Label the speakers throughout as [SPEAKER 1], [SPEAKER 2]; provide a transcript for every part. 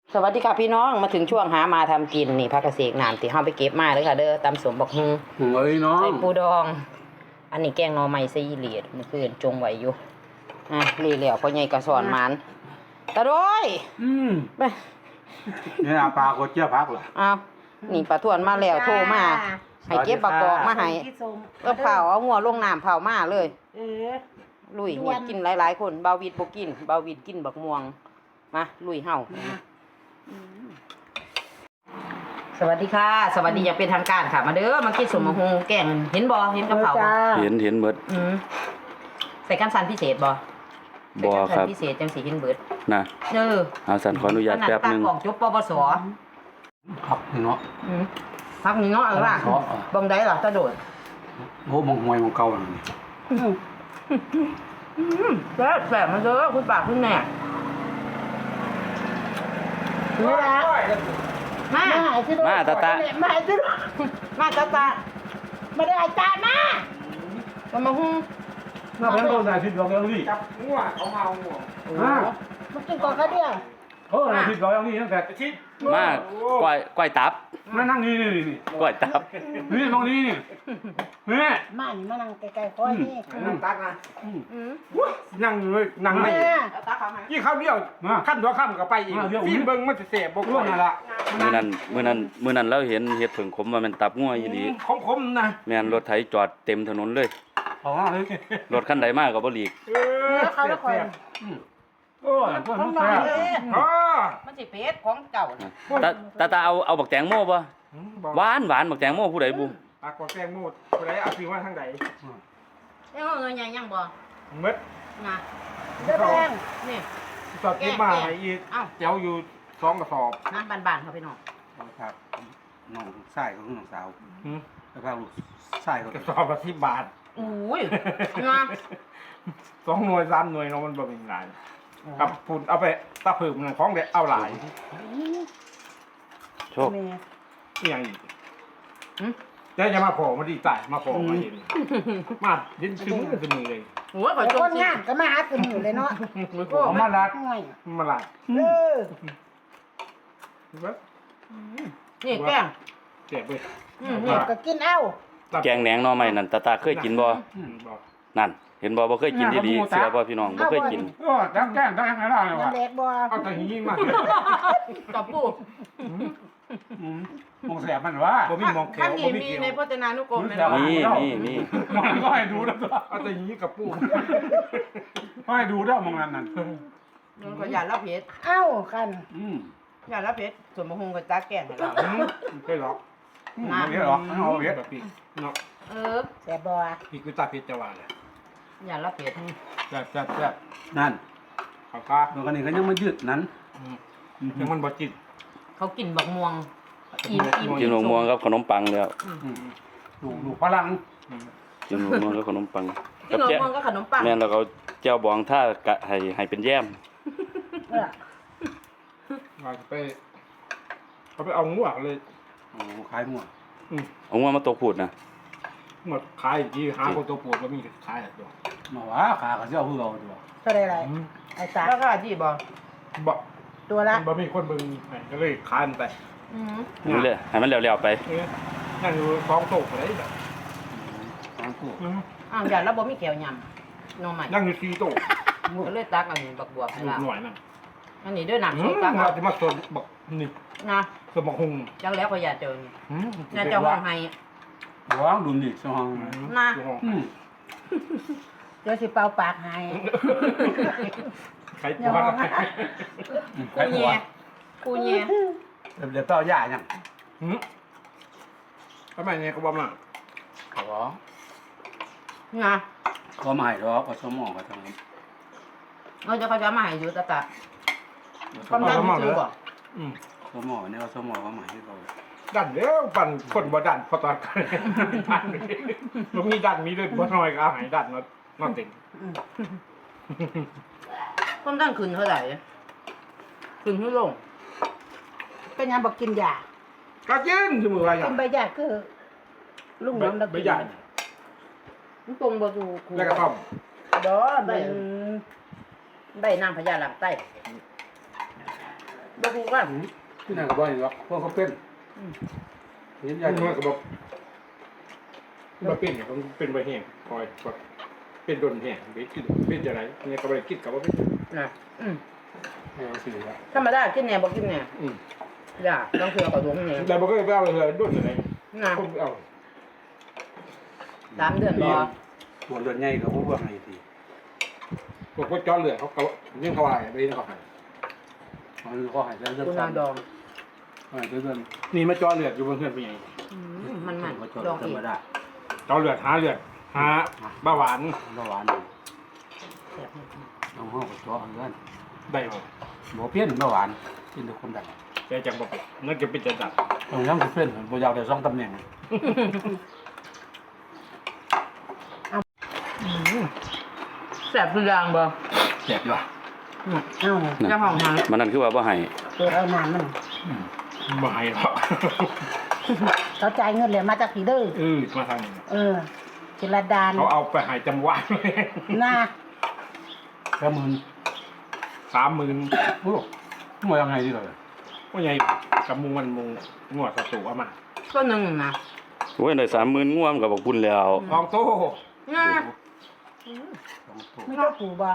[SPEAKER 1] สวัสดีค่ะพี่น้องมาถึงช่วงหามาทำกินนี่พักเกษตรน้ำที่เฮาไปเก็บมาเลยค่ะเด้อตำสมบักฮุง
[SPEAKER 2] เอ้ยน้อง
[SPEAKER 1] ใส่ปูดอง อันนี้แกงหน่อไม้ใส่อีเหลียดมันคือจงไว้อยู่รีเหลียวพ่อใหญ่กระสอนหมันตะโดยไป
[SPEAKER 2] นี่อาปลาโคเจี๊ยบพักเหรอ
[SPEAKER 1] อ้าวนี่ป้าทวนมาแล้วโทรมาให้เก็บบักกอกมาให้ก็เผาเอาหัวลงน้ำเผามาเลยลุยนี่กินหลายๆคนเบาวิดบ่กินเบาวิดกินบักม่วงมาลุยเฮาสวัสดีค่ะ สวัสดีอย่างเป็นทางการค่ะมาเด้อมากินสมมะฮงแกงเห็นบ่เห็นกระเพราบ่
[SPEAKER 2] เห็นหมด
[SPEAKER 1] ใส่กันสันพิเศษบ่
[SPEAKER 2] บ่ครับ
[SPEAKER 1] พิเศษจังสีเห็นเบิด
[SPEAKER 2] นะเอาสั่นขออนุญาตแป๊บนึง
[SPEAKER 1] ขนาดตากล่องจบปวส
[SPEAKER 2] ผักเนาะ
[SPEAKER 1] พักนี้เนาะล่ะบังได้ล่ะตะโดด
[SPEAKER 2] โหมองหวยมองเก่านั่น
[SPEAKER 1] แซ่บมาเด้อคุณป้าคุณแม่มาตาตามาตาตามาได้อาจารย์มาฮุ้ง
[SPEAKER 2] น่าเป็นต้นนายทิศร้อยนี่
[SPEAKER 3] จับงัวเขาเมางัว
[SPEAKER 1] มากินก่อนเขาเดียวน
[SPEAKER 2] ายทิศร้อยนี่ตั้งแต่
[SPEAKER 3] ชิด
[SPEAKER 4] มากก้อยตับ
[SPEAKER 2] มานั่งนี่
[SPEAKER 4] ก้อยตับ
[SPEAKER 2] นี่มองนี่นี่
[SPEAKER 5] มานี่มานั่งไกลๆคอยนี่
[SPEAKER 3] นั่งตักนะ
[SPEAKER 2] นั่งเลยนั่งไม่
[SPEAKER 1] ตาเขาให้
[SPEAKER 3] ยี่ข้าวเดียวขั้นตัวข้ามก็ไปอีกฟิล์มเบิ้งมันจะเสียบก
[SPEAKER 2] ร่วงนั่นละ
[SPEAKER 4] มื้อนั้นเราเห็นเห็ดผึ่งขมว่ามันตับงัวอีหลี
[SPEAKER 3] คมๆนะ
[SPEAKER 4] แม่นรถไถจอดเต็มถนนเลย
[SPEAKER 2] เอาเลย
[SPEAKER 4] รถคันใดมาก็บ่หลีก
[SPEAKER 5] เขาแล้วคอย
[SPEAKER 2] โอ้ยต้นมันแซ่บ
[SPEAKER 3] อ๋อ
[SPEAKER 1] มันสิเป็ดของเจ้า
[SPEAKER 4] ตาเอาบักแตงโมบ่หวานบักแตงโมผู้ใดบุ
[SPEAKER 3] ปากกว่าแกงมูดผู้ใดเอาซื้อมาทางใด
[SPEAKER 1] ยังเงินยังบ่
[SPEAKER 3] มืด
[SPEAKER 1] นะ
[SPEAKER 5] เสื้อแดง
[SPEAKER 1] นี่
[SPEAKER 3] สอดที่มาให้อีกเจ้าอยู่2 กระสอบ
[SPEAKER 1] น้ำบานๆเขาไปน้อง
[SPEAKER 2] ครับน้องชายของน้องสาวแล้วก็ลูกชายของ
[SPEAKER 3] กระสอบละ10 บาท
[SPEAKER 1] อุ้ยนะ
[SPEAKER 3] 2 หน่วย3 หน่วยเนาะมันบ่เป็นหลายกับพุ่นเอาไปตะเพิ่มนั่นของเด็ดเอาหลาย
[SPEAKER 4] โชค
[SPEAKER 5] แม่
[SPEAKER 3] อีหยังอีกจะมาพอมาดีตายมาพอมาเห็นมาเย็นชื้นมือเลย
[SPEAKER 1] โอ้ยขอ
[SPEAKER 5] ไอ้
[SPEAKER 1] ช
[SPEAKER 5] ค
[SPEAKER 1] ม
[SPEAKER 5] น
[SPEAKER 1] สิ
[SPEAKER 5] งานก็มาหาขึ้นอยู่เลยเนาะ
[SPEAKER 2] เอามาลัด
[SPEAKER 5] ห่วย
[SPEAKER 3] มาหลาย
[SPEAKER 5] เออ
[SPEAKER 1] นี่แกง
[SPEAKER 3] เจ็บเลย
[SPEAKER 5] นี่ก็กินเอ้า
[SPEAKER 4] แกงแหนงหน่อไม้นั่นตาเคยกินบ่นั่น เห็นบ่เคยกินดีๆเสือบ่พี่น้องบ่เคยกิน
[SPEAKER 2] โอ้จังแก้งได้ให้ได้เลย
[SPEAKER 5] เงิ
[SPEAKER 2] ว่ะ
[SPEAKER 5] นแดดบ่
[SPEAKER 3] เอาแต่หิ้งมา
[SPEAKER 1] กับปู
[SPEAKER 2] มองแสบมันว่า
[SPEAKER 3] บ่มีมองแข
[SPEAKER 1] ท่าน
[SPEAKER 3] ว
[SPEAKER 1] นี้
[SPEAKER 3] บ่มี
[SPEAKER 1] มี
[SPEAKER 3] เขียว
[SPEAKER 1] ในพจนานุกรมไหม
[SPEAKER 4] นี่
[SPEAKER 2] มันก็ให้ดูแล้วตัว
[SPEAKER 3] เอาแต่หิ้งกับปู
[SPEAKER 2] ให้ดูแล้วมองนั่น
[SPEAKER 1] นนก็อย่าละเพชร
[SPEAKER 5] เอ้ากัน
[SPEAKER 1] อย่าละเพชรส่วนมะฮงกับจ้าแกงให้เรา
[SPEAKER 3] เคยหรอก
[SPEAKER 2] มันเยอะหรอกเอาเยอะ
[SPEAKER 3] แบบปีเนาะ
[SPEAKER 5] แซ่บบ่
[SPEAKER 3] พี่คือตาเพชรจะว่าเลย
[SPEAKER 1] อย่าละเพชร
[SPEAKER 3] แซ่บ
[SPEAKER 2] นั่น
[SPEAKER 3] ข้าวกา
[SPEAKER 2] ตัวกันนี่ก็ยังไม่ยืดนั้น
[SPEAKER 3] ยังมันบ่จิต
[SPEAKER 1] เขากินบักม่วงอิ่ม
[SPEAKER 4] กินหมกม่วงกับขนมปังแล้ว
[SPEAKER 2] ลูกพลัง
[SPEAKER 4] กินหมกม่วงกับขนมปัง
[SPEAKER 1] กินบักม่วงก็ขนมปัง
[SPEAKER 4] แม่นแล้วก็แจ่วบองท่ากะให้เป็นแย้ม
[SPEAKER 3] ว่าไปเขาไปเอางัวเลย
[SPEAKER 2] โอ้ขายหมด
[SPEAKER 4] เอางัวมาตกพูดนะ
[SPEAKER 3] หมดขายที่หาคนตัวปวดบ่มีขายตัว
[SPEAKER 2] มาว่าขาก็จะเอาเพื่อเอาตัว
[SPEAKER 5] เท่าไรไอ้สา
[SPEAKER 1] แล้วก็ที่บอก
[SPEAKER 3] บ่
[SPEAKER 5] ตัวละ
[SPEAKER 3] บ่มีคนเบิ่งก็เลยขายมันไป
[SPEAKER 4] นี่เลยให้มันแล้วๆไป
[SPEAKER 3] นั่งอยู่2 โต๊ะอะไรแบบ
[SPEAKER 2] ทางกู
[SPEAKER 1] อ้าวอย่าละบ่มีแก้วยำน้องใหม่
[SPEAKER 3] นั่งอยู่4 โต๊ะ
[SPEAKER 1] ก็เลยตักอันนี้บักบวบให้
[SPEAKER 3] ลู
[SPEAKER 1] เรา
[SPEAKER 3] กหน่อยนั่น
[SPEAKER 1] อันนี้ด้วยน้ำซุปตัก
[SPEAKER 3] เราจะมาสดบักนี่
[SPEAKER 1] นะ
[SPEAKER 3] สมบักหุง
[SPEAKER 1] จังแล้วก็อย่าเจอนี่อย่าเจอห้องให้
[SPEAKER 2] ว้าวดุนดิช่อง
[SPEAKER 1] นะ
[SPEAKER 5] เดี๋ยวสิเป่าปากให้
[SPEAKER 3] ใครปวด
[SPEAKER 1] กูแย่กูแย่
[SPEAKER 2] เดี๋ยวเต้าหญ้ายัง
[SPEAKER 3] ทำไมเนี่ยเขาบอกมา
[SPEAKER 2] ขอ
[SPEAKER 1] นะ
[SPEAKER 2] ก็ไม่หรอกก็สมองก็ทำนี้
[SPEAKER 1] เราจะเขาจะมาให้อยู่ตะตะความดันซื้อบ่
[SPEAKER 2] สมองเนี่ยสมองก็หมายให้เรา
[SPEAKER 3] ดันเดี๋ยวปั่นคนบ่ดันพอตอนกันมันมีดันมีเลยบ่น้อยก็เอาให้ดันมาติ่ง
[SPEAKER 1] ความดันขึ้นเท่าไหร่ขึ้นให้ลง
[SPEAKER 5] เป็นยังบอกกินยา
[SPEAKER 3] ก็กินสมืออะไรอ
[SPEAKER 5] กิ
[SPEAKER 3] ย่าง
[SPEAKER 5] นใบยาคือลุงน้ำเรา
[SPEAKER 3] ใบ
[SPEAKER 5] กิน
[SPEAKER 3] ใหญ่
[SPEAKER 1] มันตรงบ่สู่ครู
[SPEAKER 3] แล้วก็ต้ม
[SPEAKER 5] บ่ใบ
[SPEAKER 1] ใบน้ำพญาหลังใต้บ่ฮู้กัน
[SPEAKER 2] ที่นั่นก็บ่เห็นหรอกพวกเขาเป็นเห็นใหญ่
[SPEAKER 3] มันก็บอกบ่เป็นเนี่ยมันเป็นบ่แห้งคอยแบบเป็นโดนแห้งเป็นจังไดเนี่ยก็บ่ได้คิดกับว่าเป็น
[SPEAKER 1] นะอืม
[SPEAKER 3] เอาสิครับ
[SPEAKER 1] ธรรมดากินแหน่บ่กินแหน่ อย่าต้องเชื่อกับดวงนี่
[SPEAKER 3] แต่บ่เคยไปเอาเลยโดนจังได
[SPEAKER 1] นะ
[SPEAKER 3] ผมเอา
[SPEAKER 1] 3 เดือนบ่
[SPEAKER 2] ตัวเลือดใหญ่ก็บ่ว่าไงที
[SPEAKER 3] พวกจอเลือดเขายังเขาว่าไปนี่เขาให้
[SPEAKER 2] มันก็ให้เลือด
[SPEAKER 1] คุณนาดอง
[SPEAKER 2] ให้เลือด
[SPEAKER 3] นี่มาจอเลือดอยู่บนเพื่อนเป็นไง
[SPEAKER 1] มัน
[SPEAKER 2] ก็จ
[SPEAKER 1] ดอง
[SPEAKER 2] ธร
[SPEAKER 1] อี
[SPEAKER 2] ร
[SPEAKER 1] ก
[SPEAKER 2] มดา
[SPEAKER 3] จอเลือดหาเบาหวาน
[SPEAKER 2] เบาหวานน้องห้องก็เจาะเลือด
[SPEAKER 3] ได้บ่
[SPEAKER 2] บ่เพี้ยนเบาหวานกินทุกคนได้
[SPEAKER 3] แต่จังบ่เป็นนั่นจะเป็นจะดับ
[SPEAKER 2] ต้องยังสิเพี้ยนบ่อยากได้2ตำแหน่ง
[SPEAKER 1] แซ่บทุกอย่างบ่
[SPEAKER 2] แซ่บอยู่
[SPEAKER 5] เอาเนี่ย
[SPEAKER 1] เจ้าของทาง
[SPEAKER 4] มันนั่นคือว่าบ่ให้
[SPEAKER 5] เปิดเอาน้ำมัน
[SPEAKER 3] บ่ให้หรอก
[SPEAKER 5] เขาจ่ายเงินเลยมาจากผีเด้อ
[SPEAKER 3] มาทางนี้
[SPEAKER 5] จิรดาน
[SPEAKER 3] เขาเอาไปหายจำว่าเลย
[SPEAKER 5] น่า
[SPEAKER 2] แค่หมื่น
[SPEAKER 3] 30,000
[SPEAKER 2] โอ้บ่ยังไงดีเลย
[SPEAKER 3] ว่าไงกับมุงมันมุงงวดศัตรูเอามา
[SPEAKER 1] ก็นึงนะ
[SPEAKER 4] โอ้ยได้30,000ง่วมก็บอกบุญแล้ว
[SPEAKER 3] ทองโต
[SPEAKER 1] นะ
[SPEAKER 5] ไม่ต้องผูบ่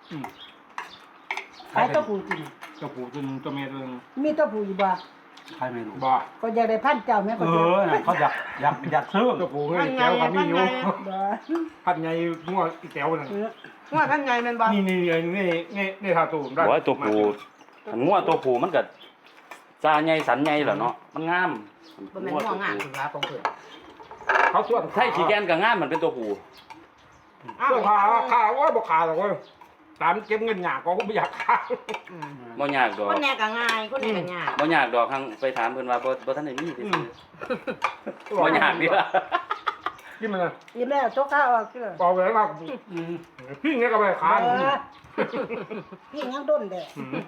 [SPEAKER 5] ขายต้องผูจริง
[SPEAKER 3] เจ้าปู่ตัวนึงตัวแม่ตัวนึง
[SPEAKER 5] มีต้องผูอยู่บ่
[SPEAKER 2] ใครไม่รู้
[SPEAKER 3] บ่
[SPEAKER 5] ก็อยากได้พันเจ้าแม่ก็จะ
[SPEAKER 2] เขาอยากซื้อ
[SPEAKER 3] เจ้าปู่เฮ้ยแก้วกับนี่อยู่
[SPEAKER 5] บ่
[SPEAKER 3] พัดไงงัวอีแก้วนั่น
[SPEAKER 1] ว่าท่านไงแม่นบ่
[SPEAKER 3] นี่ทาตูมได้
[SPEAKER 4] โอ้ยตัวผู้อันง่วตัวผู้มันก็ซาใหญ่สันใหญ่แหละเนาะมันงาม
[SPEAKER 1] บ่แม่นหัวงานถึงว่าของเพิ่น
[SPEAKER 3] เขาส่วน
[SPEAKER 4] ไทยขี้แกนก็งามมันเป็นตัวผู้
[SPEAKER 3] ส่วนขาว่าบ่ขาหรอกเว้ยตามเก็บเงินหยาก็ไม่อยากขา
[SPEAKER 4] บ่ยากดอก
[SPEAKER 1] คนแน่ก็ง่ายคนแน่ก็ยาก
[SPEAKER 4] บ่ยากดอกทางไปถามเพิ่นว่าบ่ทันได้มีซื่อๆบ่ยากดีล่ะ
[SPEAKER 3] กินมันนะ
[SPEAKER 5] อิ่มแล้วโจ๊กข้าวออกเด้อ
[SPEAKER 3] บอกไปแล้วว่าพี่เนี่ยก็ไปขา
[SPEAKER 5] พี่ยังด้นเด้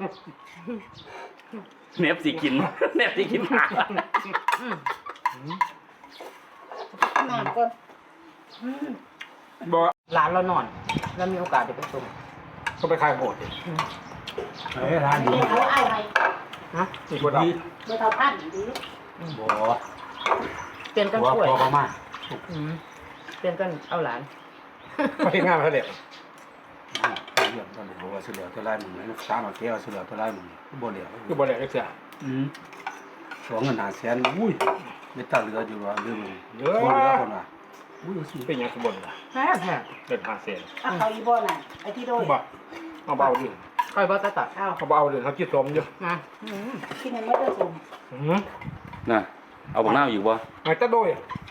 [SPEAKER 4] เนบสิกินเนบสิกินหา
[SPEAKER 5] น้ำก่อน
[SPEAKER 3] บอก
[SPEAKER 1] หลานเรานอน แล้วมีโอกาสได้ไปส่ง
[SPEAKER 3] เขาไปขายโหดดิ
[SPEAKER 2] ร้านดี
[SPEAKER 5] นี่เขาเอาไว้
[SPEAKER 1] ฮะ
[SPEAKER 3] อีกคนเอา
[SPEAKER 5] เบอร์เท่าพันดี
[SPEAKER 2] บ่
[SPEAKER 1] เปลี่ยนกัน
[SPEAKER 2] บ่
[SPEAKER 1] ช่วย
[SPEAKER 2] พอมา
[SPEAKER 1] เปลี่ยนกันเอาหลาน
[SPEAKER 3] ไปเฮ็ดงานเขาเด็ก
[SPEAKER 2] เรื่องตอนนี้ว่าเสือตัวลายมึงนะตามมาแก้วเสือตัวลายมึงบ่เหลียว
[SPEAKER 3] คือบริษัทเสีย
[SPEAKER 2] สองเงิน500,000อุ้ยไม่ตัดเหลืออยู่ว่าเรื่องมึง
[SPEAKER 3] เยอะ
[SPEAKER 2] บ่เหลือคนน่ะอุ้ยสิ
[SPEAKER 3] เป็นยังขบวนล่ะ
[SPEAKER 1] แซ่บแซ่บ
[SPEAKER 3] เดินหาเสีย
[SPEAKER 5] เอาเขาอีบ่น่ะไอ้ที่โดน
[SPEAKER 3] บ่เอาเบาดิ
[SPEAKER 1] ค่อยบ่ตัด
[SPEAKER 5] เอา
[SPEAKER 3] เขาเบาดิเขาคิดสมอยู่
[SPEAKER 1] นะ
[SPEAKER 5] กินยังไม่ได้สม
[SPEAKER 4] น่ะเอาบักนาวอยู่บ่
[SPEAKER 3] ไอ้ตะโดย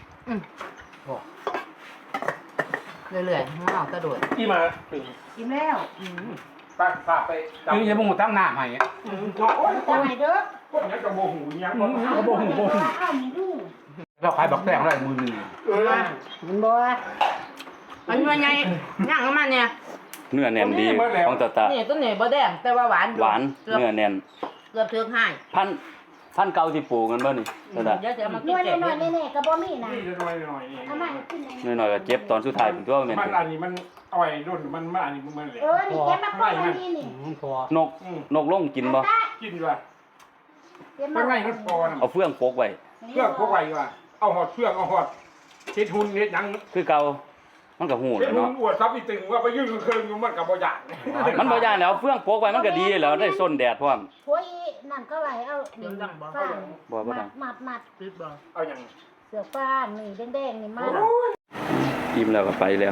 [SPEAKER 1] เรื่อยๆเอากระโดด
[SPEAKER 3] ที่มาถึง
[SPEAKER 5] กินแล้ว
[SPEAKER 3] ฝากไป
[SPEAKER 2] คือยังบ่ตั้งหน้าให้
[SPEAKER 3] โอ้ย
[SPEAKER 5] จะให้เด้อ
[SPEAKER 3] คนนี้กระโบหูยังบ่
[SPEAKER 2] ก็บ่ฮู้บ่ฮู้
[SPEAKER 5] เอามีดู
[SPEAKER 2] เราขายบักแตงได้มื้อนึง
[SPEAKER 5] มันบ่
[SPEAKER 1] อันนี้ไงย่างของมันเนี่ย
[SPEAKER 4] เนื้อแน่นดีของตาตา
[SPEAKER 1] นี่ต้นนี้บ่แดงแต่ว่าหวานอยู่
[SPEAKER 4] หวาน
[SPEAKER 1] เกือบ
[SPEAKER 4] เนื้อแน่น
[SPEAKER 1] เกือบถึงให้
[SPEAKER 4] พันเก่าที่ปลูกกันบ่นี่ตาตา
[SPEAKER 1] เดี๋ยวจะเอามา
[SPEAKER 5] ห
[SPEAKER 1] กิ
[SPEAKER 5] น่
[SPEAKER 1] น
[SPEAKER 5] วย
[SPEAKER 1] แจก
[SPEAKER 5] น้อยๆแน่ๆก็บ่มีนะ
[SPEAKER 3] นี่จะน้อยหน่อย
[SPEAKER 5] เอามาให้กินหน่อย
[SPEAKER 4] น้อยๆก็เจ็บตอนสุดท้ายเป็นตัวแม่น
[SPEAKER 3] มันอันนี้มันเอาไว้รุ่นมันอันนี้มันเลย
[SPEAKER 5] นี่แกมาป้อนอันนี้นี่
[SPEAKER 2] พอน
[SPEAKER 4] กลงกินบ่
[SPEAKER 3] กินด้วย
[SPEAKER 5] เก็บ
[SPEAKER 3] มั
[SPEAKER 5] มาน
[SPEAKER 3] ไม่มันพอนะ
[SPEAKER 4] เอาเฟืองโปกไว้
[SPEAKER 3] เพื่อพวกไว้ว่าเอาหอดเพื่อเอาหอดเฮ็ดหุ่นเฮ็ดหยัง
[SPEAKER 4] คือเก่ามันก็หู
[SPEAKER 3] เฮ็ด
[SPEAKER 4] แล้ว
[SPEAKER 3] หุ่น
[SPEAKER 4] เนาะ
[SPEAKER 3] อวดซับอีตึงว่าไปยืนเครื่องอยู่มันก็บ่อยาก
[SPEAKER 4] มันบ่ย่านแล้วเฟืองโปกไว้มันก็ดีแล้วได้ส้นแดดพร้อม
[SPEAKER 5] หัวอีนั่นก็ไหลเอาฟาง
[SPEAKER 4] บ่ดัง
[SPEAKER 5] มัด
[SPEAKER 1] ปิดบ่
[SPEAKER 3] เอาหยัง
[SPEAKER 5] เสือฟางนี่แดงๆนี่มา
[SPEAKER 4] อิ่มแล้วก็ไปแล้ว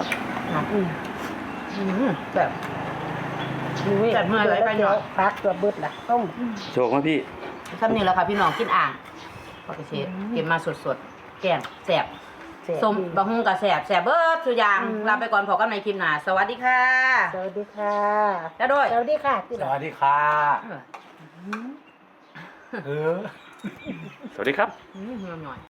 [SPEAKER 1] แบบแบบเมื่อไรไปหน่อย
[SPEAKER 5] พักตัวบึดล่ะต้อง
[SPEAKER 4] โชคมาพี่
[SPEAKER 1] ซ้ำนี่แหละค่ะพี่น้องกินอ่างปกติเก็บมาสดๆแกงแซ่บส้มบะฮุงกับแซ่บแซ่บเบิดทุกอย่างลาไปก่อนพอกันในคลิปหน้าสวัสดีค่ะ
[SPEAKER 5] สวัสดีค่ะ
[SPEAKER 1] แล้วด้วย
[SPEAKER 5] สวัสดีค่ะ
[SPEAKER 2] สวัสดีค่ะเออ
[SPEAKER 4] สวัสดีครับ
[SPEAKER 1] หน่อย